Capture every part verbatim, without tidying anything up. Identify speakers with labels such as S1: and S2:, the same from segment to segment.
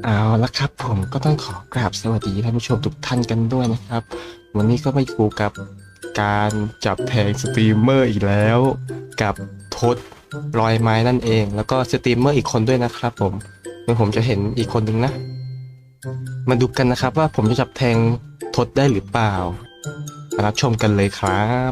S1: เอาละครับผมก็ต้องขอกราบสวัสดีท่านผู้ชมทุกท่านกันด้วยนะครับวันนี้ก็มาอยู่กับการจับแทงสตรีมเมอร์อีกแล้วกับทศรอยไม้นั่นเองแล้วก็สตรีมเมอร์อีกคนด้วยนะครับผมเดี๋ยวผมจะเห็นอีกคนนึงนะมาดูกันนะครับว่าผมจะจับแทงทศได้หรือเปล่ามารับชมกันเลยครับ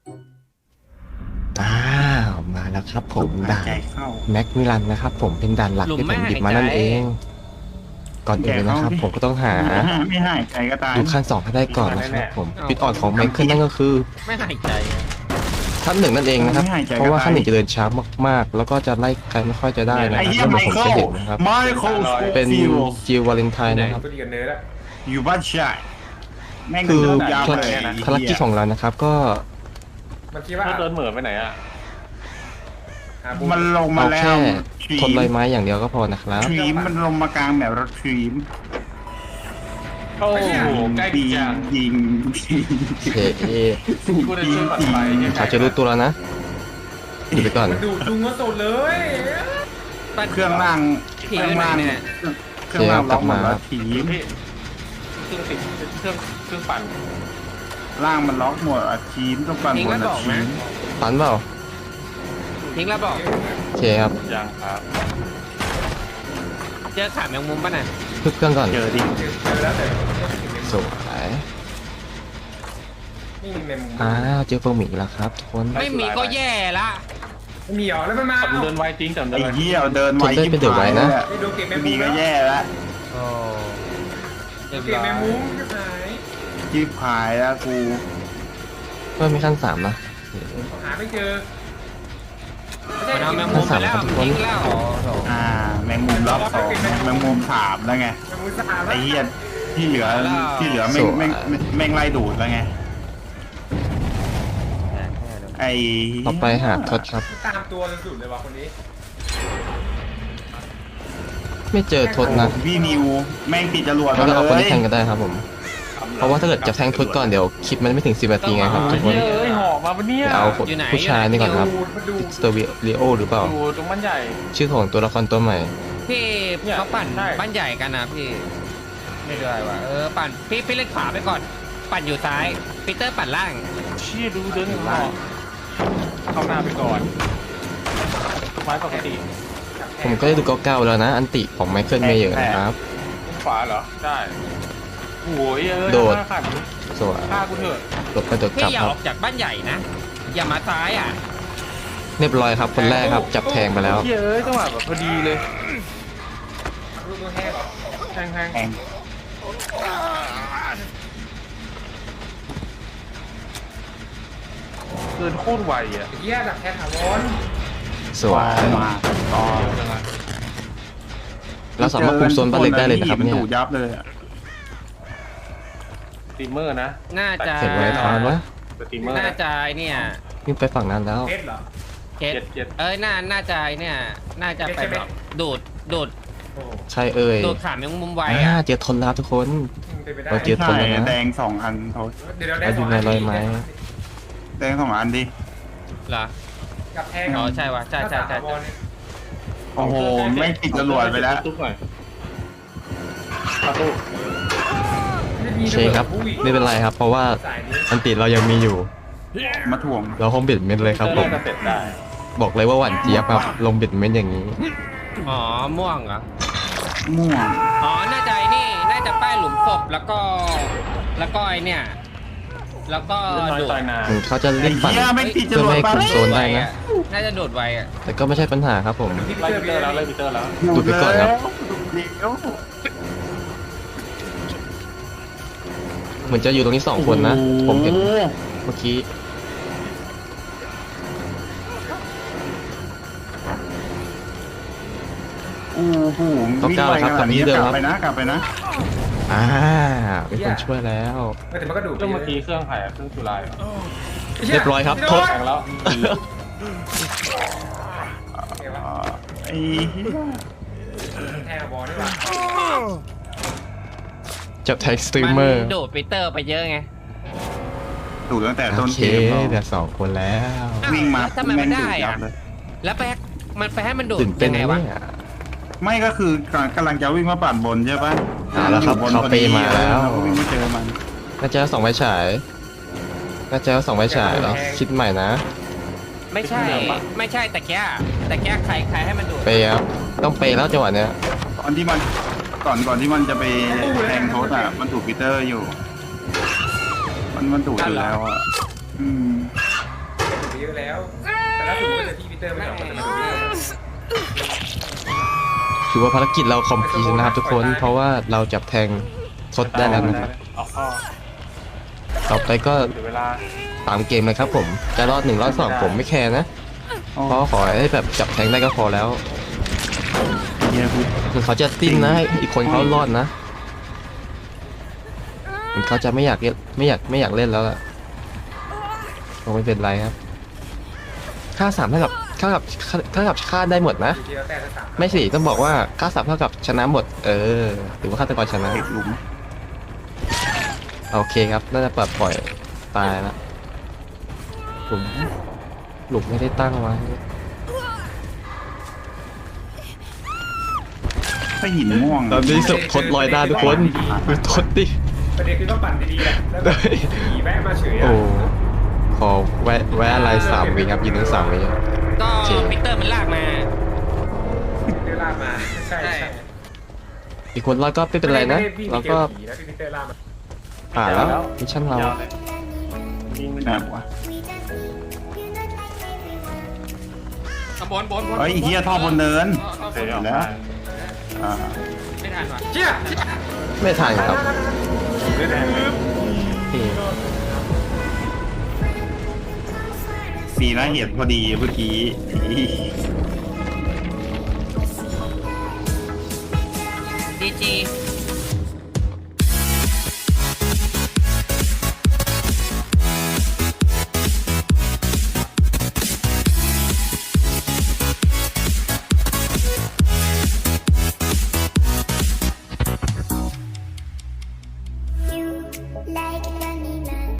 S1: อ้าวมาแล้วครับผมด่านแม็กมิลันนะครับผมเป็นด่านหลักที่ผมหยิบมานั่นเองก่อนอื่นเลยนะครับผมก็ต้องหา
S2: ไม่ให้ใครก็ตาย
S1: ดูขั้นสองให้ได้ก่อนนะครับผมจุดอ่อนของไมเคิลนั่นก็คือ
S3: ไม่หายใจอะ
S1: ขั้นหนึ่งนั่นเองนะครับเพราะว่าขั้นหนึ่งจะเดินช้ามากๆแล้วก็จะไล่ใครไม่ค่อยจะได้นะค
S2: ไอ้
S1: รับ
S2: เหี้ย
S1: แล้ว
S2: ไม
S1: เดี๋ยวผม
S2: เคิ
S1: จะ
S2: ล
S1: เห็นนะครับ
S2: ไมเคิล
S1: เป็นจิววาเลนไทน์นะครับ
S4: ก็ดีกันเนื้อแล้ว
S2: อยู่บ้านชายแม่ง
S1: คือ
S2: ยาว
S1: ภาร
S2: เลย
S1: ภารกิจของเรานะครับก็
S4: มันคิดว่า
S5: ถ้าเดินเหมือไปไหนอ่ะ
S2: มันลงมา
S1: เอา
S2: แล้
S1: แค่
S2: ว
S1: ทนลอยไม้อย่างเดียวก็พอนะครับ
S2: ทรีมมันลงมากลางแบบรถทรีม
S5: โอ้โหใกล้
S2: ปี
S5: จัง
S2: ยิงยิง
S1: เฮ้ย
S5: กูได้ช่วยปัดไฟ
S1: เขาจะรู้ตัวแล้วนะดูไปก่อน
S4: มันดูจุงก็สุดเลย
S2: เครื่องล่างเครื่องล่างเครื่องล่างล็อกหมดแล้วทรีม
S5: พี่เครื่องติดเครื่องเครื่องปั่น
S2: ล่างมันล็อกหมดอ่ะทรีมต้องปั่นบนอ่ะทรีม
S1: ปันเปล่า
S3: ทิ้งแล้วบอก
S1: โอเคครับ
S5: ยังครับ
S3: เจอขาแมงมุมป่ะน่ะ
S1: พึ่งเครื่องก่อน
S2: เจอดิ
S4: เจอแล้วแต่
S1: สวย
S4: นี่มีเมม
S1: อ้าวเจอเฟอร์มิกแล้วครับทุกคน
S3: ไม่มีก็แย่ละ
S4: ไม่มีเหรอแล้วมันมา
S5: แต่มันเดินไวจริงแต่มัน
S2: ไอ้
S5: เดินไว
S2: เหี้ยเดินไวยิ่งหายเลย
S4: ไอ้ดูเก็บเม
S2: ไม่
S4: ม
S2: มีก็แย่แล้ว
S3: โอ้เรียบ
S4: เก็บ
S3: ร้อ
S4: เม
S3: ย
S4: มมุ้งก็หาย
S2: จิ้มหายแล้วกู
S1: เพิ่มมีขั้นสามนะ
S4: หาไม่เจอ
S3: มันเอาแมงมุมไปแล้วมันทิ้งแล้ว
S2: อ่าแมงมุมรอบสองแมงมุมสามแล้วไง
S4: เมมมุ้งสาม
S2: ไอ้เหี้ยที่เหลือที่เหลือแม่งแม่งแม่งไล่ดูดแล้วไงไอ้
S1: ต่อไปหาทศครับ
S4: ตามตัวสุดเลยว่ะคนนี้
S1: ไม่เจอทศนะ
S2: พี่นิวแม่งติดจรวด
S1: เรา
S2: มา
S1: จะเอาคน
S2: เล
S1: ที่
S2: ย
S1: แทงกันได้ครับผม เพราะว่าถ้าเกิดจะแทงทศก่อนเดี๋ยวคลิปมันไม่ถึงสิบนาทีไงครับทุกคน
S5: เฮ้ยหอกมาปะเนี่ย
S1: เดี๋ยวเอาผู้ชายนี่ก่อนครับ
S4: ดูมาดู
S1: สเตอร์วิโอหรือเปล่า
S5: ดูตรงมันใหญ่
S1: ชื่อของตัวละครตัวใหม่
S3: พี่
S5: เนี่ย
S3: เขาปั่น
S5: ใช่
S3: บ้านใหญ่กันนะพี่ไม่ได้ว่ะเออปั่นพี่พี่เล่นขวาไปก่อน ปั่นอยู่ซ้ายปีเตอร์ปั่นล่าง
S5: เชี่ยดูเดินหอกเข้าหน้าไปก่อนไม้ปกติ
S1: ผมก็ได้ดูเก้าๆแล้วนะ อันติของไมเคิลเมเยอร์นะครับ
S5: ขวาเหรอได้โอ้ยเอ้ย
S1: โดด
S5: ฆ่าขัน
S1: สวย
S5: ฆ่ากูเถอะ
S1: หลบไปโดดก
S3: พี่
S1: ลับ
S3: อย่า
S1: ค
S3: อ
S1: รั
S3: อบ กจากบ้านใหญ่นะ อย่ามาซ้ายอ่ะ
S1: เรียบร้อยครับคนแรกครับ จับแทงไปแล้ว
S5: เชี่ยเอ้ยจังหวะแบบพอดีเลย
S4: รูปตัวแห้งเหรอ
S5: แทงแทง
S2: แอง
S5: เดินโคตรไวอ่ะ
S4: เหี้ยดักแค่ถาวร
S1: สวย
S2: มาต่อ
S5: เร็วจังอะ
S1: เราสามารถคุมโซนบ้านเล็กได้เลยนะครับเนี่ย
S2: ดูยับเลยอะ
S5: สตรีมเมอร์นะ
S3: น่าจะ
S1: เห็นไว้ทานวะ
S5: สตรีมเมอร์
S3: น่า
S5: นะ
S3: จะเนี่ย
S1: วิ่งไปฝั่งนั้นแล้ว
S4: เพชรเหรอ
S3: เจ็ด
S5: เจ็ดเจ็ด
S3: เอ้ยน่าน่าจะเนี่ยน่าจะไปแบบดูดดูด
S4: โอ้
S1: ใช่เอ่ย
S3: ดูดขาแมงมุมไว
S1: อ่า
S3: อ่ะ
S1: เจอทนแล้วครับทุกคน
S4: เป็นไปได้
S1: เราเจอ ทนแล้วนะ
S2: แดงสองอันโทษ
S4: เดี๋ยวเราได้
S1: เราอยู่ในรอยไม้
S2: แดงสองอันดิ
S3: เหรอ
S4: กับแทง
S3: อ๋อใช่ว่ะใช่ใช่ใช่
S2: โอ้โหแม่งติดจรวดไปแล้ว
S5: ตุ๊กหน่อยประตู
S1: ใช่ครับไม่เป็นไรครับ เพราะว่าอันติเรายังมีอยู่
S2: มาถ่วง
S1: เราคงบิดเม็ดเลยครับผม
S5: เจอแล้วจะเสร็จได้
S1: บอกเลยว่าหวานเจี๊ยบครับลงบิดเม็ดอย่างนี้
S3: อ๋อม่วงเหรอ
S2: ม่วง
S3: อ๋อ น่าจะไอ้นี่ น่าจะป้ายหลุมศพแล้วก็ แล้วก็ไอเนี่ย แล้วก็
S5: เล่นน้อย
S3: ดูด
S5: ตายนาน
S1: ถึงเขาจะ
S2: ไอ้
S1: เล่นปั่น
S2: เหี้ยแม่งติดจรวด
S1: เพื่อไม่ให้
S2: ไป
S1: คุมโซนได้นะ
S3: น่าจะโดดไวอ่ะ
S1: แต่ก็ไม่ใช่ปัญหาครับผม
S4: พี่
S5: ไล่
S4: เตอ
S5: ปี
S4: ร์
S5: เตอร์แล้ว
S4: แล้
S5: ไล่ปีเตอร์แล้ว
S1: ดูดไปก่อนครับ
S2: เดี๋ยว
S1: เหมือนจะอยู่ตรงนี้สองคนนะ ผมเห็นเมื่อกี้
S2: โอ้โหวิ่งไปขนาดนี้กลับไปนะกลับไปนะ
S1: อ่ามีคนช่วยแล้ว
S4: แต่มันก็ดูด
S5: เครื่องเมื่อกี้เครื่องไผ่อะเครื่องจุฬาเหรอ
S1: เรียบร้อยครับทด
S5: แข่งแล้ว
S2: อ่าไอ้เหี้ย
S4: แทงบอลนี่หว่า
S1: จับแท็กสตรีมเมอร์
S3: นดูดปีเตอร์ไปเยอะไง
S2: ถูกตั้งแต่
S1: โอ
S2: ต้น
S1: เค
S2: เกม
S1: เดี๋ยวสองคนแล้ว
S2: วิ่งมา
S3: แล้วทำไม
S2: แม่
S3: มั
S2: ง
S3: น
S2: ดู
S3: ได้
S2: ดยั
S3: อ่ะ
S2: บเลย
S3: แล้วไปมันไปให้มันดูด
S1: ตื่นเต้น
S3: ยังไง
S1: นะ
S3: วะ
S1: เนี่ย
S2: ไม่ก็คือกำลังจะวิ่งมาปั่นบนใช่ปะ
S1: อ่าแล้วครับ
S2: อยู่น
S1: เขา
S2: พอ
S1: เป
S2: ดี
S1: มาแล้ว
S2: เก็วิ่งไม่เจอมัน
S1: น่าจะเอาสองไฟฉายน่าจะเอาสองไฟฉายแล้วคิดใหม่นะ
S3: ไม่ใช่ ไม่ใช่แต่แค่แต่แค่ใครใครให้มันดูด
S1: เปย์ครับต้องเปย์แล้วจังหวะเนี้ย
S2: ตอนที่มันก่อนก่อนที่มันจะไปแทงโทษอ่ะมันถูกปีเตอร์อยู่ มันมันถูกอยู่แล้วอ่ะอืม
S4: ดูเยอะแล้ว แต่ล่าสุดมันจะพี่พีเตอร์ไม่ออกมาจะมาดูเยอะ
S1: ถือว่าภารกิจเราคอมพลีทนะครับทุกคน เพราะว่าเราจับแทงทดได้แล้วนะครับ
S5: ออกข้อ
S1: ต่อไปก็
S5: เหลือเวลา
S1: ตามเกมเลยครับผมจะรอดหนึ่งรอดสองผมไม่แคร์นะเพราะขอให้แบบจับแทงได้ก็พอแล้ว
S2: เฮียพูด
S1: ถึงเขาจะติ้นนะอีกคนเขารอดนะถึงเขาจะไม่อยากเล่นไม่อยากไม่อยากเล่นแล้วล่ะก็ไม่เป็นไรครับค่าสามเท่ากับเท่ากับเท่ากับค่าได้หมดนะ
S4: ดูที่เราแต่ละสาม
S1: ไม่สิต้องบอกว่าค่าสามเท่ากับชนะหมด เออถือว่าฆาตกรชนะ
S2: เด็กหลุม
S1: โอเคครับน่าจะปลดปล่อยตายแล้วหลุมหลุมไม่ได้ตั้งไว้
S2: ถ้าหินม่วง
S1: ตอนนี้ศพทดลอยหน้าทุกคนดูทดดิ
S4: ประเด็นคือต้องปั่นดีๆอะแล้วแบบขี่แวะมาเฉยอะ
S1: โอ้ขอแวะแวะอะไรสามวิครับยืนถึงสามวิ
S3: ก็
S1: โอเค
S3: ปีเตอร์มันลากมา
S4: พีเตอร์ลากมาใช่ใช่
S1: อีกคนรอดก็ไม่เป็นไรนะ
S4: ม่ด้วิ่ง
S1: แล้ว
S4: ไป
S1: ก็
S4: เจอผีแล้วพี่พีเตอร์ลากมา
S1: ผ่านแล้วมิชชั่นเรา
S5: ยาวเลยยิงมัน
S2: นะวะ
S3: บนบนบน
S2: เฮ้ยเฮียท่อบนเนิน
S5: เคยออก
S2: แล้
S5: มาว
S2: อ่า
S3: ไม่ทันว่ะ
S4: เชี่ย
S1: ไม่ทันครับ
S5: เลือดแดงเลย
S1: นี่
S2: สีหน้าเหียดพอดีเมื่อกี้
S3: ดีจี